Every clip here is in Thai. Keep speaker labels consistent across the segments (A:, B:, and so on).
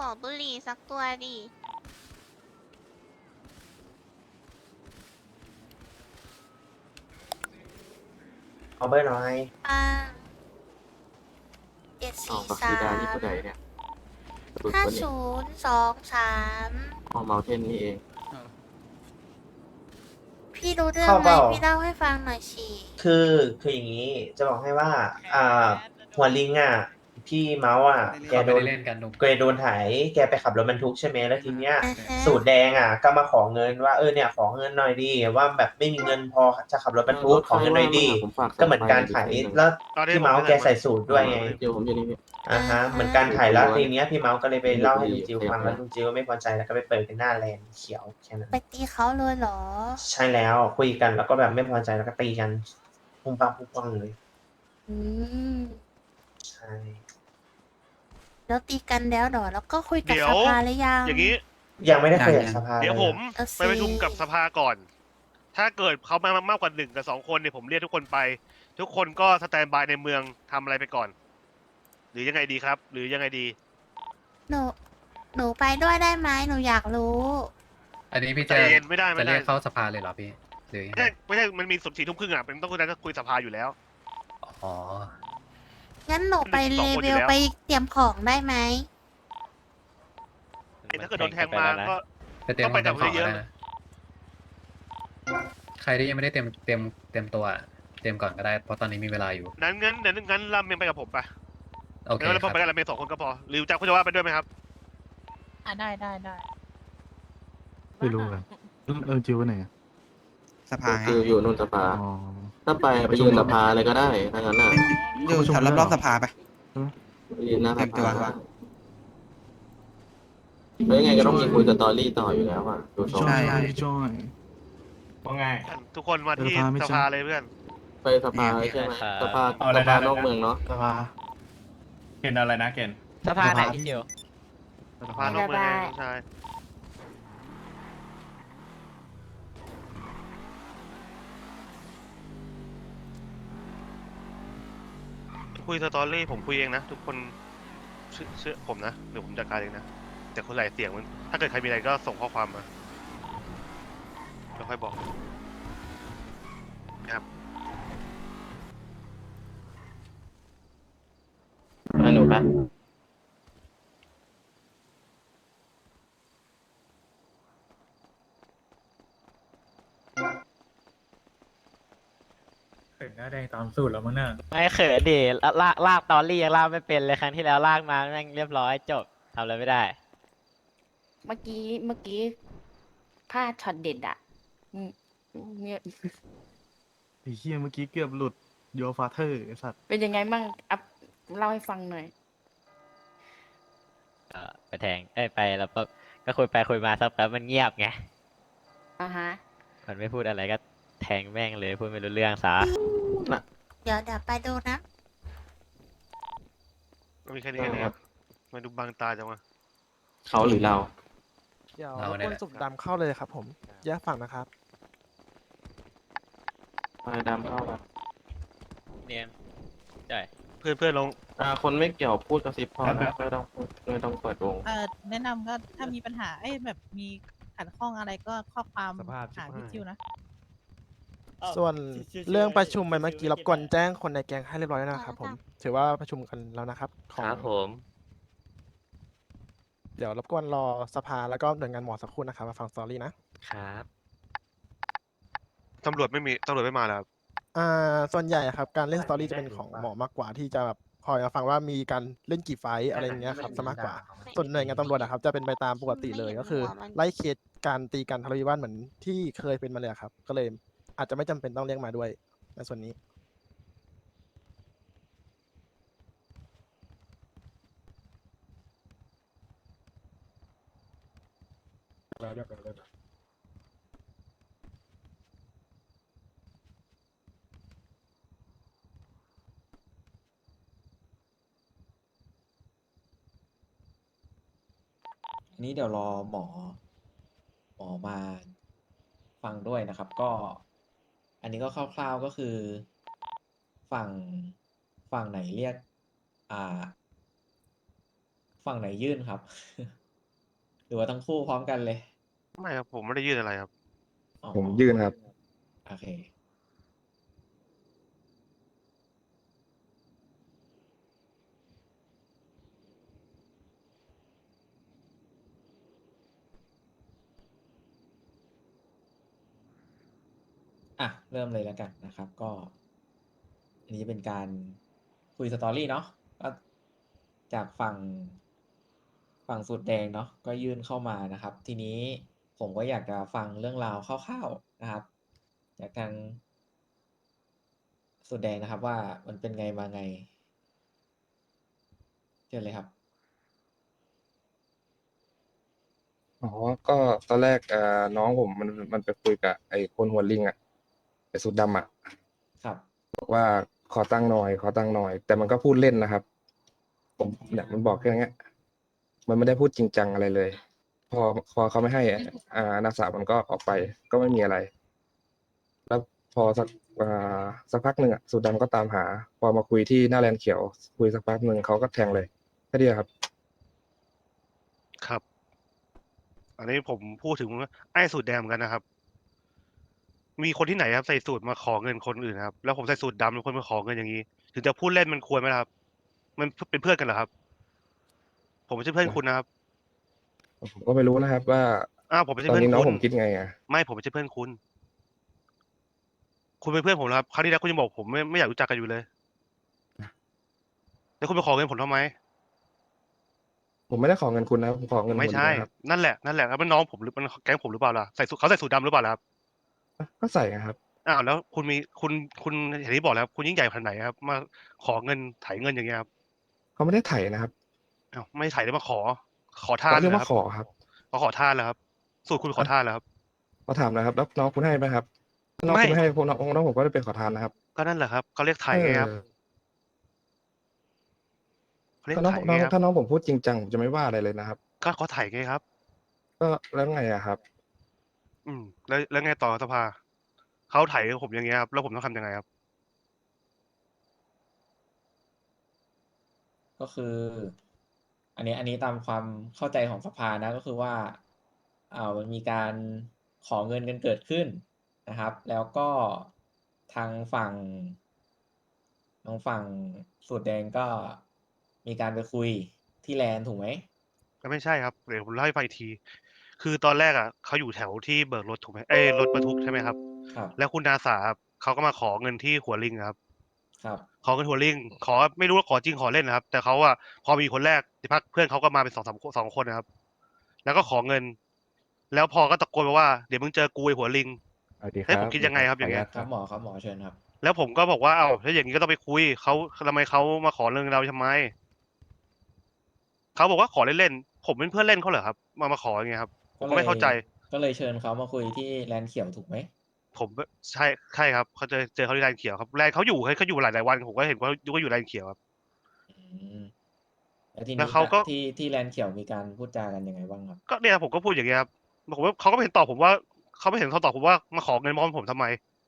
A: อบุหรี่สักตัวดิ
B: เอาเบอร์หน่อย
A: อ่าเจ็ด
C: อ๋อ
A: สี่
C: บัก
A: สา
C: ซีดาม นี่ผู้ใดเนี่ยสุด
A: ห้า
C: คนนี้
A: ศูนย์สองสาม
C: อ๋อเมาเทนนี่เอง
A: พี่รู้เรื่อง
B: เข้า
A: ไหม
B: เปล่า
A: พี่เล่าให้ฟังหน่อยสิ
B: คืออย่างนี้จะบอกให้ว่า หัวลิงพี่เมาส์แก
D: เขา
B: โด
D: ไม่
B: น
D: ได้เล่นกันนุก
B: แกโดนไถแกไปขับรถบรรทุกใช่ไหมแล้วทีเนี้ย
A: อ่าฮะ
B: สูตรแดงก็มาขอเงินว่าเนี่ยขอเงินหน่อยดีว่าแบบไม่มีเงินพอจะขับรถบรรทุกขอเงินหน่อยดี
C: ผมฝาก
B: ก็เหมือนการไถแล้วพี่เมาส์แกใส่สูตรด้วยไง
C: เดี๋ยวผมอยู่นี่พี่
B: เหมือนการไถแล้วทีเนี้ยพี่เมาส์ก็เลยไปเล่าให้ลุงจิวฟังแล้วลุงจิวก็ไม่พอใจแล้วก็ไปเปิดกันหน้าแลนด์เขียวแค่นั้น
A: ไปตีเขาเลยเหรอ
B: ใช่แล้วคุยกันแล้วก็แบบไม่พอใจแล้วก็ตีกันพุ่งปังพุ่งปังเลย
A: อืม
B: ใช่
A: แล้วตีกันแล้วเหรอ แล้วก็คุยกับ
E: เดี๋ย
A: ส
E: ว
A: ภาหรือยัง
E: อย่างนี้
B: ยังไม่ได้คุยกับสภา
E: เดี๋ยวผม
A: เอาสิ
E: ไปประชุมกับสภาก่อน ถ้าเกิดเขามามากกว่า1 กับ 2 คนเนี่ยผมเรียกทุกคนไป ทุกคนก็สแตนบายในเมืองทำอะไรไปก่อน หรือยังไงดีครับ หรือยังไงดี
A: หนูไปด้วยได้ไหมหนูอยากรู้
D: อันนี้พี่
E: ใจ
D: จะ
E: เย็นไม่ได้
D: จะ
E: ไม่
D: เรี
E: ได้
D: ยกเข้าสภาเลยเหรอพี่หรือยัง
E: ไม่
D: ไง
E: ใช่ไม่ใช่มันมีสุด4 ทุ่มครึ่งเป็นต้องคุยกันก็คุยสภาอยู่แล้ว
D: อ๋อ
A: งั้นหนูไป
E: มันมี
A: เล
E: สองคน
A: เว
E: อยู่
A: ล
E: แล้ว
A: ไปเตรียมของได้ไหม
E: ถ้าเกิดโดนแทงมาก็
D: ไปเตรียม
E: ต้องไปกับ
D: ของ
E: เยอะๆ
D: ก็ได้นะใครที่ยังไม่ได้เตรียมตัวเตรียมก่อนก็ได้เพราะตอนนี้มีเวลาอยู่
E: งั้นรามเมงไปกับผมไป
D: โอเค
E: งั้นเรา
D: ครับ
E: ไปกันรามเมง2 คนก็พอหรือจะคุณจะว่าไปด้วยไหมครับ
F: ได้
G: ไม่รู้กันจิวไหนอะ
H: สภาไง
C: คืออยู่นู่นสภา
G: อ๋อ
C: ถ้าไปยืนสภาเลยก็ได้ถ้างั้นน่ะ
H: อยู่แถวรอบๆสภาไป
C: ยืนหน้า
H: เตรี
C: ส
H: ยมตัว
C: ภาแล้วยังไงก็ต้องมีคุยสตอรี่ต่ออยู่แล้วดูทรง
H: ใช่
G: จอย
I: ว่าไง
E: ทุกคนมาที่
G: สภาไม่
E: ส
G: ใช่
E: ภาเลยเพื่อน
C: ไปสภาใช่ไหมสภา
I: เอาอะไร
C: สภา
I: นะ
C: นอกเมืองเนาะ
G: สภา
I: เกณฑ์อะไรนะเกณฑ์
F: สภาไหนพี่เดียว
E: สภานอกเมืองไงน้องชายคุยสตอรี่ผมคุยเองนะ ทุกคนเชื่อผมนะเดี๋ยวผมจัดการเองนะ แต่คนหลายเสียงมันถ้าเกิดใครมีอะไรก็ส่งข้อความมาแล้วค่อยบอกนะครับ
C: หนูปะ
G: ถึงหน้าแดงตามสูตรแล้วมั้งน่ะ
F: ไม่เขินดิลากตอรี่ยังลากไม่เป็นเลยครั้งที่แล้วลากมาแม่งเรียบร้อยจบทำอะไรไม่ได้
J: เมื่อกี้พลาดช็อตเด็ดอ่ะเนี่ย
G: ไอ้เหี้ยเมื่อกี้เกือบหลุดโยฟาเธอร์ไอ้สัตว์
J: เป็นยังไงบ้างอัพเล่าให้ฟังหน่อย
F: ไปแทงไปแล้วก็คุยไปคุยมาสักแป๊บมันเงียบไง
J: อ่าฮะ
F: มันไม่พูดอะไรก็แทงแม่งเลยพูดไม่รู้เรื่องซะ
A: เดี๋ยวไปดูนะ
E: มีแค่นี้นะครับมาดูบางตาจังวะ
C: เขาหรือเรา
D: เดี๋ยวเราเนี่ยแหละ สุ่มดำเข้าเลยครับผมแยกฝั่งนะครับ
C: ไปดำเข้าปะ
F: เนียนใช่
E: เพื่อนลง
C: คนไม่เกี่ยวพูดกระซิบพอนะไม่ต้องพูดไม่ต้องเปิดวง
F: แนะนำก็ถ้ามีปัญหาแบบมีขัดข้องอะไรก็ข้อความ
E: สภาพ
F: หาพี่จิวนะ
D: ส่วนเรื่องประชุมไปเมื่อกี้รบกวนแจ้งคนในแก๊งให้เรียบร้อยแล้วนะครับผม ถือว่าประชุมกันแล้วนะครับของ
F: ครับผม
D: เดี๋ยวรบกวนรอสภาแล้วก็หน่วยงานหมอสักครู่นะครับมาฟังสตอรี่นะ
F: ครับ
E: ตำรวจไม่มาแล้วครับ
D: ส่วนใหญ่ครับการเล่นสตอรี่จะเป็นของหมอมากกว่าที่จะแบบคอยมาฟังว่ามีการเล่นกี่ไฟต์อะไรอย่างเงี้ยครับซะมากกว่า ส่วนหน่วยงานตำรวจนะครับจะเป็นไปตามปกติเลยก็คือ ไล่เคสการตีกันทะเลาะวิวาทเหมือนที่เคยเป็นมาเลยครับ ก็เลยอาจจะไม่จำเป็นต้องเรียกมาด้วยในส่วนนี้
I: อันนี้เดี๋ยวรอหมอมาฟังด้วยนะครับ ก็ อันนี้ก็คร่าวๆก็คือ ฝั่งไหนเรียกฝั่งไหนยื่นครับ หรือว่าทั้งคู่พร้อมกันเลย
E: ไม่ครับผมไม่ได้ยื่นอะไรครับ
I: อ๋อ
K: ผมยื่นครับ
I: โอเค อ่ะ เริ่มเลยแล้วกันนะครับ ก็ อันนี้เป็นการคุยสตอรี่เนาะก็จากฝั่งสูตรแดงเนาะก็ยื่นเข้ามานะครับ ทีนี้ผมก็อยากจะฟังเรื่องราวคร่าวๆนะครับ จากทางสูตรแดงนะครับ ว่ามันเป็นไงมาไงเชิญเลยครับ
K: อ๋อ ก็ตอนแรกน้องผมมันไปคุยกับไอ้คนหัวลิงอ่ะไอ้สุดดำอ่ะ
I: ครับ
K: บอกว่าขอตั้งค์หน่อย ขอตั้งค์หน่อย แต่มันก็พูดเล่นนะครับ ผมเนี่ยมันบอกแค่เนี้ย มันไม่ได้พูดจริงจังอะไรเลย พอเขาไม่ให้นักศึกษามันก็ออกไป ก็ไม่มีอะไร แล้วพอสักพักหนึ่งอ่ะสุดดำก็ตามหา พอมาคุยที่หน้าแลนด์เขียว คุยสักพักหนึ่งเขาก็แทงเลยแค่เดียวครับ
E: ครับ อันนี้ผมพูดถึงไอ้สูตรแดงเหมือนกันนะครับ มีคนที่ไหนครับใส่สูตรมาขอเงินคนอื่นครับ แล้วผมใส่สูตรดำแล้วคนมาขอเงินอย่างนี้ ถึงจะพูดเล่นมันควรไหมล่ะครับ มันเป็นเพื่อนกันเหรอครับ ผมไม่ใช่เพื่อนคุณนะครับ
K: ผมก็ไม่รู้นะครับว่า
E: ผมไม่ใช่
K: ตอน
E: เพื่อน
K: นี้น้อง
E: คุณ
K: ผมคิดไงอ่ะ
E: ไม่ผมไม่ใช่เพื่อนคุณ คุณเป็นเพื่อนผมนะครับครั้งที่แล้วคุณยังบอกผมไม่อยากรู้จักกันอยู่เลย แล้วคุณไปขอเงินผมทำไม
K: ผมไม่ได้ขอเงินคุณนะครับผมขอเงิน
E: ไม่
K: คน
E: ใช่
K: เดียวครับ
E: นั่นแหละแล้วมันน้องผมหรือมันแก๊งผมหรือเปล่าล่ะเขาใส่สูทดำหรือเปล่าล่ะครับ
K: ก็ใส่นะครับ
E: แล้วคุณเห็นที่บอกแล้ว คุณยิ่งใหญ่ขนาดไหนครับ มาขอเงินไถเงินอย่างเงี้ยครับ
K: เขาไม่ได้ไถนะครับ
E: ไม่ไถได้มาขอทาน
K: เขาเรียก
E: เหรอ
K: ว่า
E: ครับ
K: ขอครับ
E: ขอทานแล้วครับ สูตรคุณขอทานแล้วครับ
K: เขาถามนะครับ แล้วน้องคุณให้ไหมครับถ้าน้อง
E: ไม่
K: คุณไม่ให้น้องผมก็จะเป็นขอทานนะครับ
E: ก็นั่นแหละครับเขาเรียกไถไงครับ
K: เออ
E: เขาเรียก
K: ถ้าน้อง
E: ไถไงครับ
K: ถ้าน้องผมพูดจริงจังผมจะไม่ว่าอะไรเลยนะครับ
E: ก็เขาไถไงครับ
K: ก็แล้วไงอะครับ
E: แล้วไงต่อสภาเขาไถผมอย่างเงี้ยครับ แล้วผมต้องทำยังไงครับ
I: ก็คือ อันนี้ตามความเข้าใจของสภานะ ก็คือว่ามันมีการขอเงินกันเกิดขึ้นนะครับ แล้วก็ทางฝั่งสูตรแดงก็มีการไปคุยที่แลนด์ถูกไหม
E: ก็ไม่ใช่ครับ เดี๋ยวผมเล่าให้ฟังอีกที คือตอนแรกเขาอยู่แถวที่เบิกรถถูกไหมรถบรรทุกใช่ไหมครับ
I: ครับ
E: แล้วคุณนาสาครับเขาก็มาขอเงินที่หัวลิงครับ
I: ครับ
E: ขอเงินหัวลิง ไม่รู้ว่าขอจริงขอเล่นนะครับ แต่เขาพอมีคนแรกที่พักเพื่อนเขาก็มาเป็นสองคนนะครับ แล้วก็ขอเงิน แล้วพอก็ตะโกนมาว่าเดี๋ยวมึงเจอกูไอ้หัวลิง ให้ผมคิดยังไงครับอย่างเงี้ย
I: ครับหมอเชิญครับ
E: แล้วผมก็บอกว่าถ้าอย่างนี้ก็ต้องไปคุยเขาทำไมเขามาขอเรื่องเราทำไมเขาบอกว่าขอเล่นๆผมเป็นเพื่อนเล่นเขาเหรอครับ มาขออย่างเงี้ยครับผมก็ไม่เข้าใจ
I: ก็เลยเชิญเขามาคุยที่แลนด์เขียวถูกไหม
E: ผมใช่ครับเขาเจอเขาที่แลนด์เขียวครับแลนด์เขาอยู่หลายวันผมก็เห็นว่าอยู่แลนด์เขียวครับ
I: อืมแล้วที
E: แล้
I: นี้
E: วเขาก็
I: ที่แลนด์เขียวมีการพูดจากันยังไงบ้างครับ
E: ก็เนี่ยผมก็พูดอย่างเงี้ยครับผมว่าเขาก็ไม่เห็นตอบผมว่าเขาไม่เห็นเขาตอบผมว่ามาขอเงินมอผมทำไม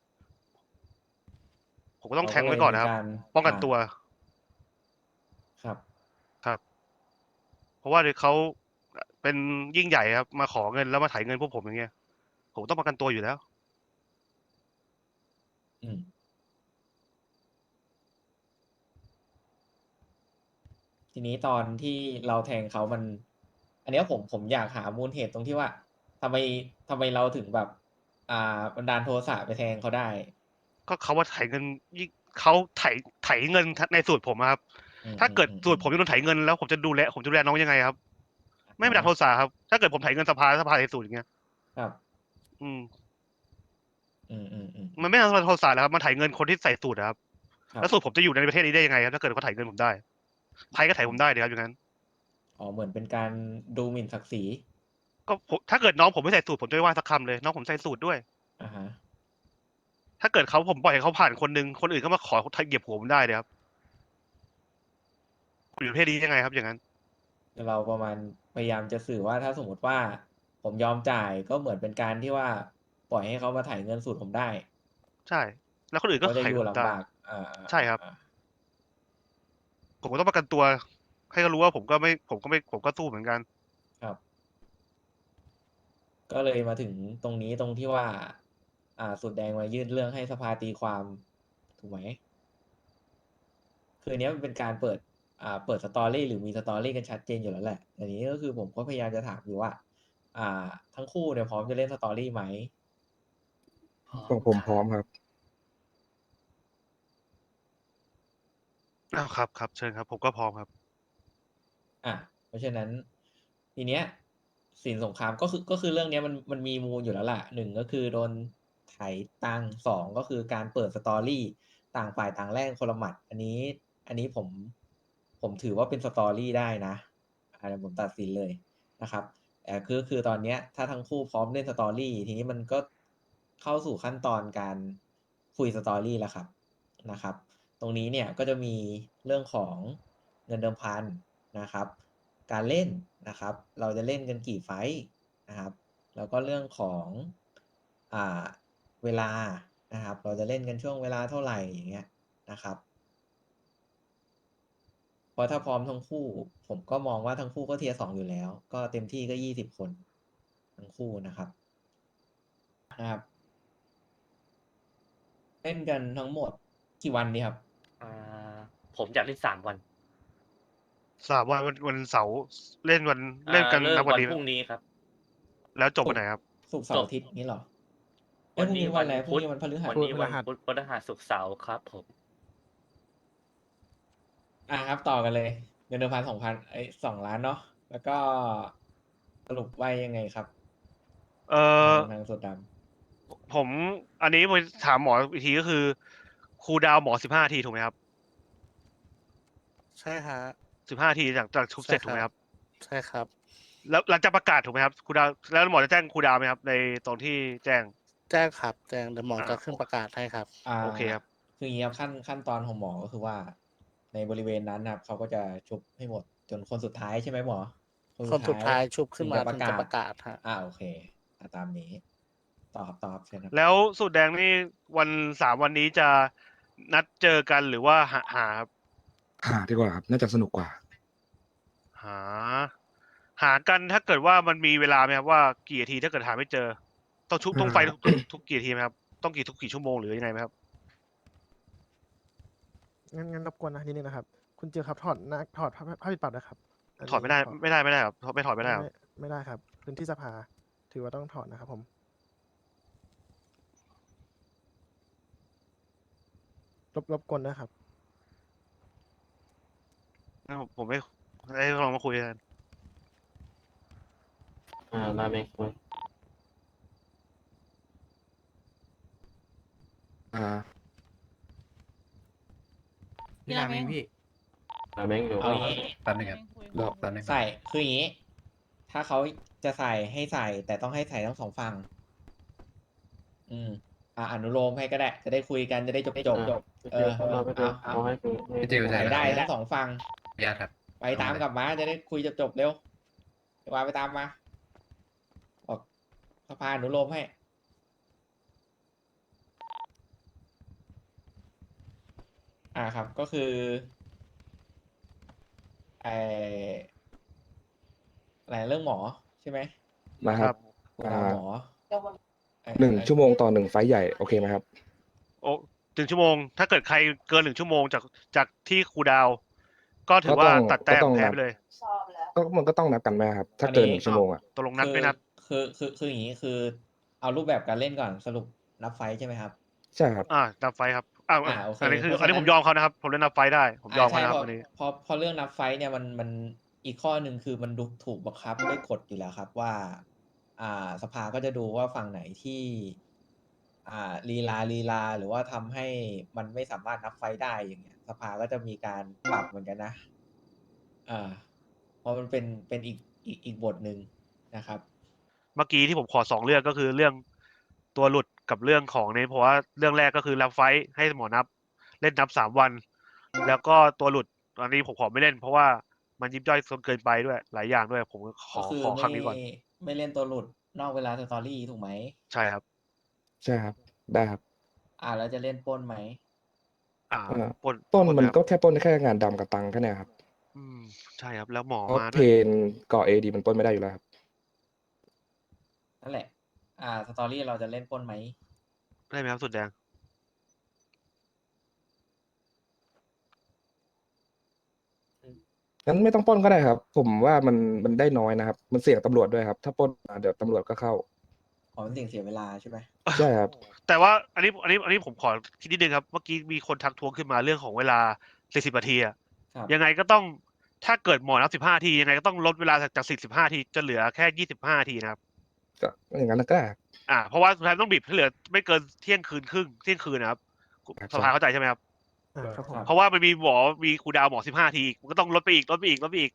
E: ผมก็ต้องแทงไว้ก่อนนะครับ ป้องกันตัว
I: ครับ
E: ครับ เพราะว่าเขาเป็นยิ่งใหญ่ครับ มาขอเงินแล้วมาไถเงินพวกผมอย่างเงี้ยผมต้องประกันตัวอยู่แล้ว
I: อืมทีนี้ตอนที่เราแทงเขามัน อันเนี้ยผมอยากหามูลเหตุตรงที่ว่าทำไมเราถึงแบบ บันดาลโทสะไปแทงเขาได้
E: ก็เขาว่าไถเงินยิ่งเขาไถเงินในสูตรผมอะครับ ถ้าเกิดสูตรผมยังโดนไถเงินแล้วผมจะดูแลน้องยังไงครับ ไม่เป็นดักโทษะครับ ถ้าเกิดผมไถเงินสภาไถสูตรอย่างเงี้ย
I: ครับ
E: อืม
I: อืม
E: มันไม่ใช่โทษะแล้วครับมันไถเงินคนที่ใส่สูตรนะครับ
I: ครับ
E: แล้วสูตรผมจะอยู่ในประเทศนี้ได้ยังไงครับถ้าเกิดเขาไถเงินผมได้ใครก็ไถผมได้เดี๋ยวครับอย่างนั้น
I: อ๋อเหมือนเป็นการดูหมิ่นศักดิ์ศรี
E: ก็ถ้าเกิดน้องผมไม่ใส่สูตรผมจะไม่ว่าสักคำเลยน้องผมใส่สูตรด้วย
I: อ่าฮะ
E: ถ้าเกิดผมปล่อยให้เขาผ่านคนนึงคนอื่นก็มาขอเหยียบหัวผมได้เลยครับคุณอยู่ประเทศนี้ยังไงครับ อย่างนั้น
I: เราประมาณพยายามจะสื่อว่าถ้าสมมติว่าผมยอมจ่ายก็เหมือนเป็นการที่ว่าปล่อยให้เขามาถ่ายเงินสูตรผมได้
E: ใช่ แล้วคนอื่นก็
I: ก็จะ
E: ไถ
I: อยู่
E: ผมได้
I: ลำบาก
E: ใช่ครับ ผมก็ต้องประกันตัวให้เขารู้ว่าผมก็สู้เหมือนกัน
I: ครับ ก็เลยมาถึงตรงนี้ตรงที่ว่า สุดแดงมายื่นเรื่องให้สภาตีความถูกไหม คืออันเนี้ยมันเป็นการเปิดสตอรี่หรือมีสตอรี่กันชัดเจนอยู่แล้วแหละอันนี้ก็คือผมก็พยายามจะถามอยู่ว่า ทั้งคู่เนี่ยพร้อมจะเล่นสตอรี่ไหม
K: ของผมพร้อมครับ
E: อ้าวครับครับเชิญครับ ผมก็พร้อมครับ
I: เพราะฉะนั้นทีเนี้ยสินสงครามก็คือเรื่องเนี้ยมันมีมูลอยู่แล้วล่ะหนึ่งก็คือโดนไถตังค์สองก็คือการเปิดสตอรี่ต่างฝ่ายต่างแลกคนละหมัด อันนี้ผมถือว่าเป็นสตอรี่ได้นะผมตัดสินเลยนะครับแต่คือตอนเนี้ยถ้าทั้งคู่พร้อมเล่นสตอรี่ทีนี้มันก็เข้าสู่ขั้นตอนการคุยสตอรี่แล้วครับนะครับ ตรงนี้เนี่ยก็จะมีเรื่องของเงินเดิมพันนะครับ การเล่นนะครับ เราจะเล่นกันกี่ไฟท์นะครับ แล้วก็เรื่องของเวลานะครับ เราจะเล่นกันช่วงเวลาเท่าไหร่อย่างเงี้ยนะครับ เพราะถ้าพร้อมทั้งคู่ ผมก็มองว่าทั้งคู่ก็เทียร์2อยู่แล้ว ก็เต็มที่ก็20 คนทั้งคู่นะครับ เล่นกันทั้งหมดกี่วันดีครับ
L: ผมอยากเล่น3 วัน
E: 3 วันเสาร์เล่นวันเล่นกัน
L: เริ่ม
E: นับวัน
L: วัน
E: นี้
L: พรุ่งนี้ครับ
E: แล้วจบวันไหนครับ
I: ศุกร์เสาร์อาทิตย์นี้เหรอพรุ่งนี้วันอะไรพรุ่งนี้วันพฤหัส
L: วันนี้วันพุธพฤหัสศุกร์เสาร์ครับผม
I: ครับต่อกันเลย เงินเดิมพัน2 ล้านเนาะแล้วก็สรุปไว้ยังไงครับ ทางสุดด
E: ผมอันนี้ไปถามหมออีกทีก็คือครูลดาวน์หมอ15 นาทีถูกไหมครับ
C: ใช่ฮะ
E: 15 นาทีจากชุบเสร็จถูกไหมครับ
C: ใช่ครับ
E: แล้วหลังจากประกาศถูกไหมครับครูลดาวน์แล้วหมอจะแจ้งครูลดาวน์ไหมครับ ในตอนที่แจ้ง
C: แจ้งครับแจ้งเดี๋ยวหมอจะขึ้นประกาศให้ครับ
I: ำ
E: โอเคครับ
I: คืออย่างนี้ครับขั้นตอนของหมอก็คือว่า ในบริเวณนั้นนะครับเขาก็จะชุบให้หมดจนคนสุดท้ายใช่ไหมหมอ
C: คนสุดท้ายชุบขึ้นมา
I: ถึ
C: ถึงจะประกาศฮะ
I: โอเคตามนี้ต่อครับเชิญครับ
E: แล้วสูตรแดงนี่3 วันนี้จะนัดเจอกันหรือว่าหาครับ
K: หาดีกว่าครับ น่าจะสนุกกว่า
E: หากันถ้าเกิดว่ามันมีเวลาไหมครับว่ากี่นาทีถ้าเกิดหาไม่เจอ ต้องชุบต้องไฟทุกกี่นาทีไหมครับต้องกี่ชั่วโมงหรือยังไงไหมครับ
D: งั้นรบกวนนะนิดนึงนะครับ คุณเจียวครับถอดผ้าปิดปากนะครับนนี้
E: ถอดไม่ได้ครับไม่ถอดไม่ได้ครับ
D: ไม่ได้ครับ พื้นที่สภาถือว่าต้องถอดนะครับผมรบกวนนะครับ
E: ผมไม่ได้ลองมาคุยกัน
C: ราเมงคุย
H: พี่ราเมงพี่
C: ราเมงอยู่
I: เอาอย่างนี้
H: แป๊บนึงครับรอแป๊บนึง
I: ใส่คืออย่างนี้ ถ้าเขาจะใส่ให้ใส่ แต่ต้องให้ใส่ทั้ง2 ฝั่งอนุโลมให้ก็ได้ จะได้คุยกันจะได้จบ
C: เราไปดูเอาให้คุย
H: พี่จิว
I: ใส่ได้ทั้ง2 ฝั่ง
H: ญาติครับ
I: ไปตามกลับมาจะได้คุยจบเร็วเดี๋ยววาไปตามมาบอกสภาอนุโลมให้ครับก็คืออะไรเรื่องหมอใช่ไหม
K: นะครับ
I: หมอ
K: 1 ชั่วโมงต่อ1 ไฟท์ใหญ่ โอเคไหมครับ
E: โอ้1 ชั่วโมง ถ้าเกิดใครเกิน1 ชั่วโมงจากที่ครูลดาวน์ก็ถือว่าตัดแต้มแพ้ไปเลย
K: ก็มันก็ต้องนับกันไหมครับ ถ้าเกิน1 ชั่วโมงอ่ะ
E: ตกลงนัดไม่นัด
I: คืออย่างนี้คือเอารูปแบบการเล่นก่อนสรุปนับไฟท์ใช่ไหมครับ
K: ใช่ครับ
E: นับไฟครับ
I: โอเค
E: อันนี้คือ
I: เพราะฉะนั้น
E: อันนี้ผมยอมเขานะครับ ผมเล่นนับไฟได้ ผมยอมเขานะครับ
I: ใช่
E: อันนี้
I: พอเรื่องนับไฟท์เนี่ยมันอีกข้อหนึ่งคือมันถูกบังคับด้วยกฎอยู่แล้วครับว่า สภาก็จะดูว่าฝั่งไหนที่ลีลาหรือว่าทำให้มันไม่สามารถนับไฟท์ได้อย่างเงี้ย สภาก็จะมีการปรับเหมือนกันนะเพราะมันเป็นอีกบทหนึ่งนะครับ
E: เมื่อกี้ที่ผมขอ2 เรื่องก็คือเรื่องตัวหลุดกับเรื่องของนี้เพราะว่าเรื่องแรกก็คือรับไฟท์ให้หมอนับเล่นนับ3 วัน แล้วก็ตัวหลุดอันนี้ผมขอไม่เล่น เพราะว่ามันยิบย่อยเกินไปด้วยหลายอย่างด้วย ผมข
I: ก็คือ
E: อครั้งนี้ก่อน
I: ไม่เล่นตัวหลุดนอกเวลาสตอรี่ถูกไหม
E: ใช่ครับ
K: ใช่ครับ ได้ครับ
I: แล้วจะเล่นปล้นไหม
K: ปล้นมันก็แค่ปล้นแค่งานดำกับตังค์แค่เนี้ยครับ
E: ใช่ครับ แล้วหมอ
K: เพราะ
E: มา
K: เพ
E: ด้วย
K: นก่อเอดีมันปล้นไม่ได้อยู่แล้วครับ
I: นั่นแหละ สตอรี่เราจะเล่นปล้นไหม
E: ได้ไหมครับสุดแดง
K: งั้นไม่ต้องปล้นก็ได้ครับ ผมว่ามันได้น้อยนะครับ มันเสี่ยงตำรวจด้วยครับ ถ้าปล้นมาเดี๋ยวตำรวจก็เข้า
I: ขอเป็นสิ่งเสียเวลาใช่ไหม
K: ใช่ครับ
E: แต่ว่าอันนี้ผมขอคิดนิดนึงครับ เมื่อกี้มีคนทักท้วงขึ้นมาเรื่องของเวลา40นาทีอะ
I: ครับ
E: ยังไงก็ต้องถ้าเกิดหมอนับ15นาทียังไงก็ต้องลดเวลาจาก45นาทีจะเหลือแค่25นาทีนะครับ
K: ก็อย่างนั้นก็ได้ครับ
E: เพราะว่าสุดท้ายต้องบีบให้เหลือไม่เกินเที่ยงคืนครึ่งเที่ยงคืนนะครับ
K: ครับ
E: สภาเข้าใจใช่ไหมครับ
D: ครับผม
E: เพราะว่ามันมีมีครูดาวหมอ15นาทีมันก็ต้องลดไปอีกลดไปอีกลดไปอีก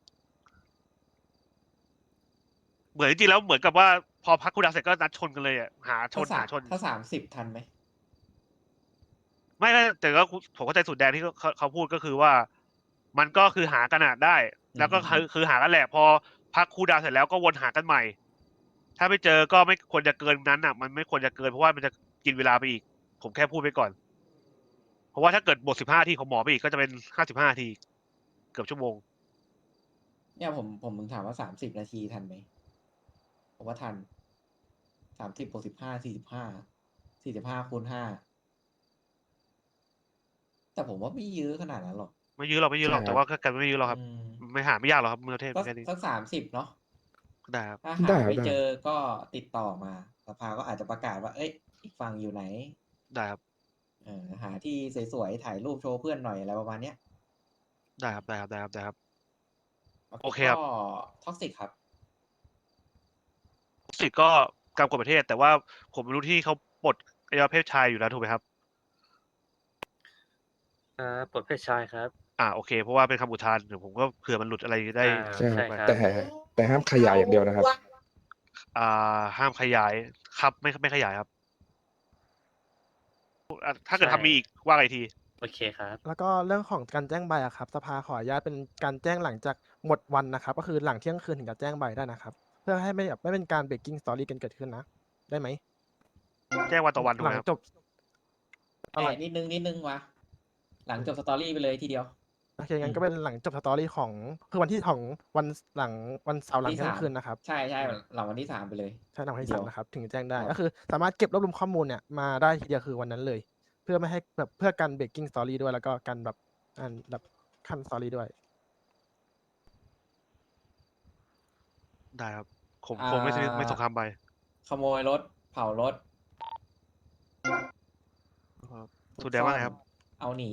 E: เหมือนจริงๆแล้วเหมือนกับว่าพอพักครูดาวเสร็จก็นัดชนกันเลยอะหาชน
I: ถ้า30 ทันไหม
E: ไม่แต่ก็ผมเข้าใจสุดแดนที่เขาพูดก็คือว่า มันก็คือหากันอะได้ แล้วก็คือหากันแหละ พอพักครูดาวเสร็จแล้วก็วนหากันใหม่ ถ้าไม่เจอก็ไม่ควรจะเกินนั้นอ่ะ มันไม่ควรจะเกินเพราะว่ามันจะกินเวลาไปอีก ผมแค่พูดไปก่อน เพราะว่าถ้าเกิดบท15นาทีของหมอไปอีกก็จะเป็น55นาทีเกือบชั่วโมง
I: เนี่ยผมมึงถามว่า30 นาทีทันไหม ผมว่าทัน30 บวก 15 45 คูณ 5 แต่ผมว่าไม่เยอะขนาดนั้นหรอก
E: ไม่ยื้อหรอกแต่ว่ากันไม่ยื้อหรอกครับ ไม่หาไม่ยากหรอกครับเมืองเทพ
I: ก็
E: แค่นี้
I: สัก30 เนาะ
E: ได้ครับ
I: ถ้า
K: ได้
I: หา
K: ครับ
I: ไม่
K: ได้
I: เจอก็ติดต่อมาสภาก็อาจจะประกาศว่า เอ้ย อีกฝั่งอยู่ไหน
E: ได้ครับ
I: หาที่สวยๆถ่ายรูปโชว์เพื่อนหน่อยอะไรประมาณเนี้ย
E: ได้ครับ โอเค
I: ก็
E: ครับ
I: ท็อกซิกครับ
E: สิทธิ์ก็กรรมกฎประเทศ แต่ว่าผมไม่รู้ที่เขาปลดอวัยวะเพศชายอยู่แล้วถูกไหมครับ
L: ปลดเพศชายครับ
E: โอเค เพราะว่าเป็นคำอุทานเดี๋ยวผมก็เผื่อมันหลุดอะไรได้
K: ใช่ค
L: ใช่
K: รับ
L: ครับ
K: แต่ห้ามขยายอย่างเดียวนะครับ
E: ห้ามขยายครับไม่ขยายครับ ถ้าเกิด
L: ใช่
E: ทำมีอีกว่าไงที
L: โอเคครับ
D: แล้วก็เรื่องของการแจ้งใบอะครับสภาขออนุญาตเป็นการแจ้งหลังจากหมดวันนะครับ ก็คือหลังเที่ยงคืนถึงจะแจ้งใบได้นะครับ เพื่อให้ไม่เป็นการเบรกกิ้งสตอรี่กันเกิดขึ้นนะ ได้ไหม
E: แจ้งวันต่อวันถูก
D: ห
E: ไห
D: ลั
E: ม
D: ง
E: ครับ
D: จบ
I: แต่นิดนึงวะหลังจบสตอรี่ไปเลยทีเดียว
D: โอเคงั้นก็เป็นหลังจบสตอรี่ของคือวันที่ของวันหลังวันเสาร์หลัง
I: ที่
D: เที่ย
I: 3
D: งคืนนะครับ
I: ใช่หลังวันที่ 3 ไปเลย
D: ใช่หลังวันที่
I: เดี
D: สาม
I: ยว
D: นะครับถึงแจ้งได้
I: ครับ
D: ก็คือสามารถเก็บรวบรวมข้อมูลเนี่ยมาได้ทีเดียวคือวันนั้นเลย เพื่อไม่ให้แบบเพื่อการเบรกกิ้งสตอรี่ด้วยแล้วก็การแบบแบบขั้นสตอรี่ด้วย
E: ได้ครับผมไม่สงครามไป
I: ขโมยรถ เผารถ
E: สุดแดงว่าไงครับ
I: เอาหนี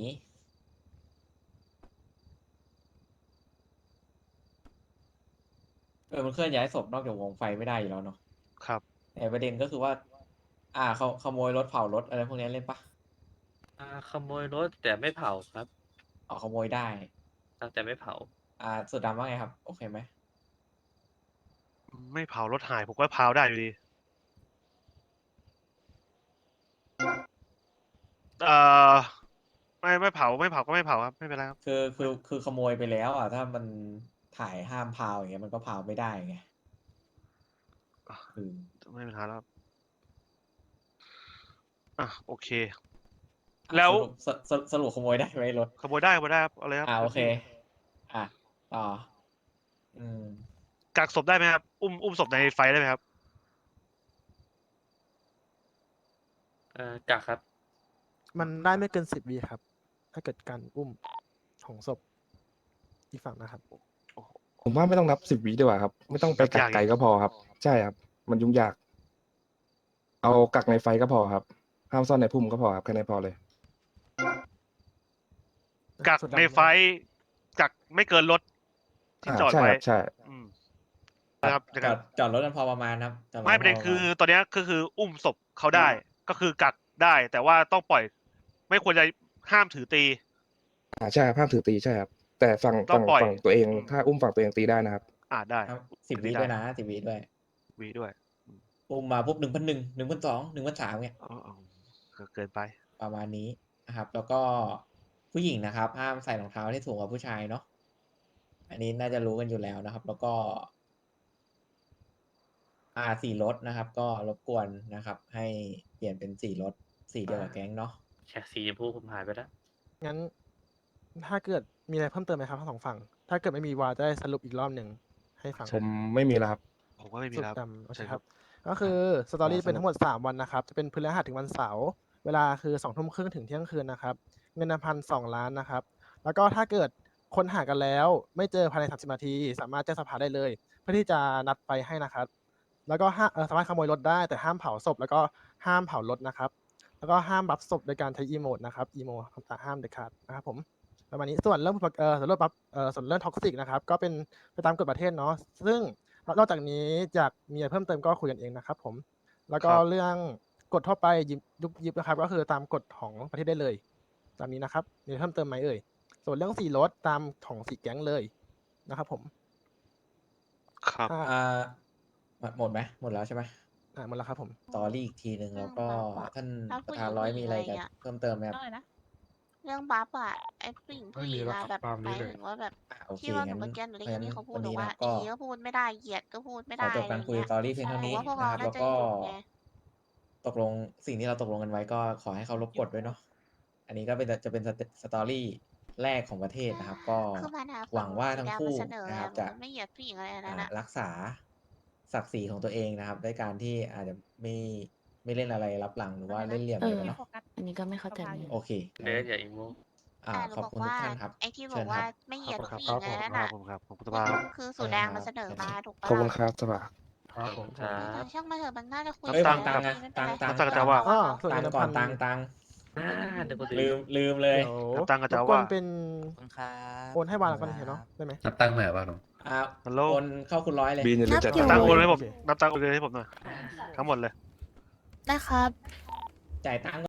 I: มันเคลื่อนย้ายศพนอกจากวงไฟไม่ได้อยู่แล้วเนาะ
E: ครับ
I: แต่ประเด็นก็คือว่า เขาขโมยรถเผารถอะไรพวกนี้เล่นปะ
L: ขโมยรถแต่ไม่เผาครับ
I: ขโมยได้
L: แต่ไม่เผา
I: สุดดำว่าไงครับ โอเคไหม
E: ไม่เผารถหายผมก็เผาได้อยู่ดีไม่เผาก็ไม่เผาครับไม่เป็นไรครับ
I: คือขโมยไปแล้วถ้ามันถ่ายห้ามพาวอย่างเงี้ยมันก็พาวไม่ได้ไง
E: ไม่เป็นไรแล้วโอเค แล้ว
I: สรุปขโมยได้ไหมรถ
E: ขโมยได้ครับเอาเลยครับ
I: โอเค ต่อ
E: กักศพได้ไหมครับอุ้มศพในไฟได้ไหมครับ
L: กักครับ
D: มันได้ไม่เกิน10 วิครับ ถ้าเกิดการอุ้มของศพอีกฝั่งนะครับ
K: ผมว่าไม่ต้องนับ10 วิดีกว่าครับ ไม่ต้องไปกักไกลก็พอครับ ใช่ครับ มันยุ่งยาก เอากักในไฟก็พอครับ ห้ามซ่อนในพุ่มก็พอครับแค่นั้นพอเลย
E: กักในไฟกักไม่เกินรถที่จอด
K: ใช่
E: ไว้
K: ครับใช่
E: นะครับ
I: จอดรถกันพอประมาณนะครับจอดรถ
E: ไม่ประเด็นคือตอนเนี้ยก็คืออุ้มศพเขาได้ ก็คือกักได้ แต่ว่าต้องปล่อย ไม่ควรจะห้ามถือตี
K: ใช่ครับห้ามถือตีใช่ครับ แต่ฝั่ง
E: ต้องปล่อย
K: ตัวเอง ถ้าอุ้มฝั่งตัวเองตีได้นะครับ
E: ได้
I: 10 วิด้วยนะ10 วิด้วย
E: วีด้วย
I: อุ้มมาปุ๊บ1,100 1,200 1,300เนี่ย
E: เกินไป
I: ประมาณนี้นะครับ แล้วก็ผู้หญิงนะครับห้ามใส่รองเท้าที่สูงกว่าผู้ชายเนาะอันนี้น่าจะรู้กันอยู่แล้วนะครับ แล้วก็สีรถนะครับ ก็รบกวนนะครับ ให้เปลี่ยนเป็นสีรถสีเดียวกับแก๊งเนาะ
L: แค่สีชมพูผมหายไปแล้ว
D: งั้นถ้าเกิดมีอะไรเพิ่มเติมไหมครับทั้งสองฝั่งถ้าเกิดไม่มีวาจะได้สรุปอีกรอบหนึ่งให้ฟัง
K: ผมไม่มีแล้วครับ
E: ผมก็ไม่มี
D: สุด
E: ครับ
D: ดำโอเค
E: ใช่
D: ค
E: ครั
D: รับ
E: บ
D: ก็คือสตอรี่
I: สรุป
D: เป็นทั้งหมด 3 วันนะครับ จะเป็นพฤหัสถึงวันเสาร์เวลาคือ2 ทุ่มครึ่งถึงเที่ยงคืนนะครับ เงิน1,200 ล้านนะครับ แล้วก็ถ้าเกิดคนหากันแล้ว ไม่เจอภายใน30 นาที สามารถแจ้งสภาได้เลย เพื่อที่จะนัดไปให้นะครับ แล้วก็สามารถขโมยรถได้แต่ห้ามเผาศพแล้วก็ห้ามเผารถนะครับ แล้วก็ห้ามบัฟศพโดยการใช้อีโมดนะครับอีโมห้ามเด็ดขาดนะครับผมประมาณนี้ส่วนเรื่องส่วนเรื่องบัฟส่วนเรื่องท็อกซิกนะครับก็เป็นไปตามกฎประเทศเนาะซึ่งนอกจากนี้จากมีอะไรเพิ่มเติมก็คุยกันเองนะครับผมแล้วก็
E: ครับ
D: เรื่องกฎทั่วไปยุบนะครับก็คือตามกฎของประเทศได้เลยตามนี้นะครับมีอะไรเพิ่มเติมไหมเอ่ยส่วนเรื่องสีรถตามของสีแก๊งเลยนะครับผม
E: ครับ
D: อ่า
I: หมดไหมหมดแล้วใช่ไหม
D: หมดแล้วครับผม
I: สตอรี่อีกทีหนึ่งแล้วก็ท่าน
A: ถ้า
I: ป
A: ผู้
I: ระ
A: หญิ
I: ธาน
A: ง
I: ร้อย
A: ผู้หญิ
I: มี
A: ง
I: อะไร
A: อะไร
I: จะ
A: เงี้ย
I: เพิ่มเติมไหมครับ
A: เรื่องบัฟอะไอ้ผู้หญิงอะแบบ
G: ตาม
A: ห
G: นี้
A: มาย
G: เลย
A: ถึงว่าแบบ
I: โอเค
A: ที่ว่าหนู
I: งั้น
A: เมื่อกี้หนูได้
I: เพราะ
A: ยิน
I: ฉะนั้น
A: ที่เขาพูด
I: วัน
A: หนู
I: นี้
A: ว่า
I: นะก็
A: อีก็พูดไม่ได้เหยียดก็พูดไม่
I: ข
A: ได้
I: อจบการคุยสตอรี่เพียงเท่านี้
A: ว่าพวกเรา
I: นะครับ
A: น่า
I: แล้ว
A: จะ
I: ก็
A: หยุดไง
I: ตกลงสิ่งที่เราตกลงกันไว้ก็ขอให้เขารบกฎด้วยเนาะอันนี้ก็จะเป็นสตอรี่แรกของประเทศนะครับ ก็
A: คือมันอะ
I: หวังว่าทั้งคู่
A: สีแดมัเสนอ
I: นะครับ
A: ห
I: จะ
A: ไม่เหยียดผู้หญิงอะไรนั่น
I: อ่า
A: อะ
I: รักษาศักดิ์ศรีของตัวเองนะครับด้วยการที่อาจจะไม่เล่นอะไรรับหลังหรือว่าเล่นเหลี่ยม
J: เอ
I: อะไร
J: อ
I: กันเนาะ
J: อันนี้ก็ไม่เข้าใจเหมือนกัน
I: โอเค
L: เบสอย่าอีโม
A: หนู
I: ขอบ
A: บอก
I: คุณทุ
A: ว่าก
I: ท่านครับ
A: ไอ้ที่บ
I: เชิ
A: อก
I: ญค
A: ว่า
I: รับ
A: ไม่เหยียด
E: ครับ
A: ผู้หญิงอะไรนั่น
E: ครั
A: อะ
E: บผมครับผมสภาพ
A: คือสูตรแดงมันเสนอมาถูกปะ
K: ขอบคุณ
A: ล่ะ
K: ครับสภา
C: ครับผม
L: ครั
A: แต่
L: บ
A: ช่างมาเถอะมันน่าจะคุย
I: เอ้ย
A: กั
I: ตังค์
A: แล้ว
I: อะ
A: ไม่เป็นไร
I: ตังค์
E: ตังค์จะว่า
D: อ๋อส่วน
I: ตัง
D: เงิ
I: ค์
D: น
I: ก่อน
D: 1,000
I: ตังค์
L: เดี๋ยวก็
I: ลืมเลย
D: เดี๋ยว
E: ตังค์กับ
D: ร
E: จะ
D: บกว
E: ว่า
D: นเป็น
H: ครับ
D: โอนให้วาละกันเห็นเนาะได้ไหม
H: นับตังค์ใหม่ป่ะหนู
E: ฮัลโหล
I: โอนเข้าคุณร้อยเลย
K: บีนอย่าลืมจัด
A: นับอยู่
E: ตังค์โอนให้ผม
D: โอเค
E: นับตังค์โอนเลยให้ผมหน่อยทั้งหมดเลย
A: นะครับ
I: จ่ายตังค์